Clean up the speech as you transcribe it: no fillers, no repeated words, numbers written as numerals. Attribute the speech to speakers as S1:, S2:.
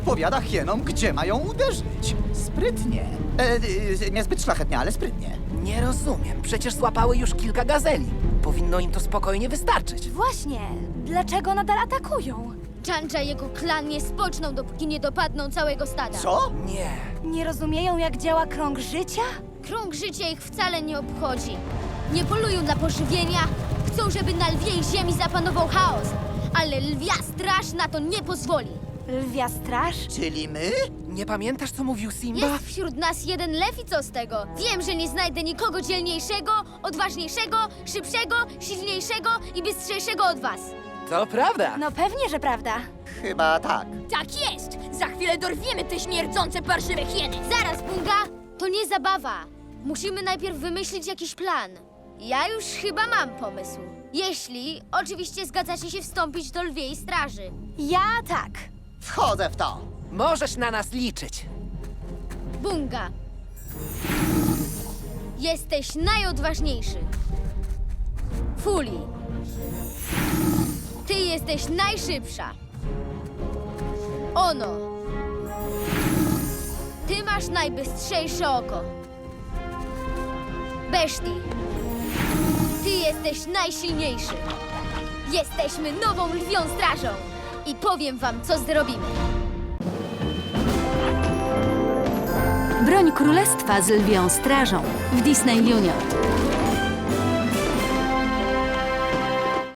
S1: podpowiada hienom, gdzie mają uderzyć. Sprytnie. Niezbyt szlachetnie, ale sprytnie.
S2: Nie rozumiem. Przecież złapały już kilka gazeli. Powinno im to spokojnie wystarczyć.
S3: Właśnie, dlaczego nadal atakują?
S4: Chandra i jego klan nie spoczną, dopóki nie dopadną całego stada.
S1: Co?
S2: Nie.
S3: Nie rozumieją, jak działa krąg życia?
S4: Krąg życia ich wcale nie obchodzi. Nie polują dla pożywienia, chcą, żeby na lwiej ziemi zapanował chaos. Ale lwia straż na to nie pozwoli.
S3: Lwia straż?
S1: Czyli my?
S2: Nie pamiętasz, co mówił Simba?
S4: Jest wśród nas jeden lew i co z tego? Wiem, że nie znajdę nikogo dzielniejszego, odważniejszego, szybszego, silniejszego i bystrzejszego od was.
S2: To prawda.
S3: No pewnie, że prawda.
S1: Chyba tak.
S4: Tak jest! Za chwilę dorwiemy te śmierdzące parszywe hieny! Zaraz, Bunga! To nie zabawa. Musimy najpierw wymyślić jakiś plan. Ja już chyba mam pomysł. Jeśli oczywiście zgadzacie się wstąpić do lwiej straży.
S3: Ja tak.
S1: Wchodzę w to.
S2: Możesz na nas liczyć.
S4: Bunga! Jesteś najodważniejszy. Fuli! Ty jesteś najszybsza. Ono! Ty masz najbystrzejsze oko. Beszti! Ty jesteś najsilniejszy. Jesteśmy nową lwią strażą. I powiem wam, co zrobimy.
S5: Broń Królestwa z Lwią Strażą w Disney Junior.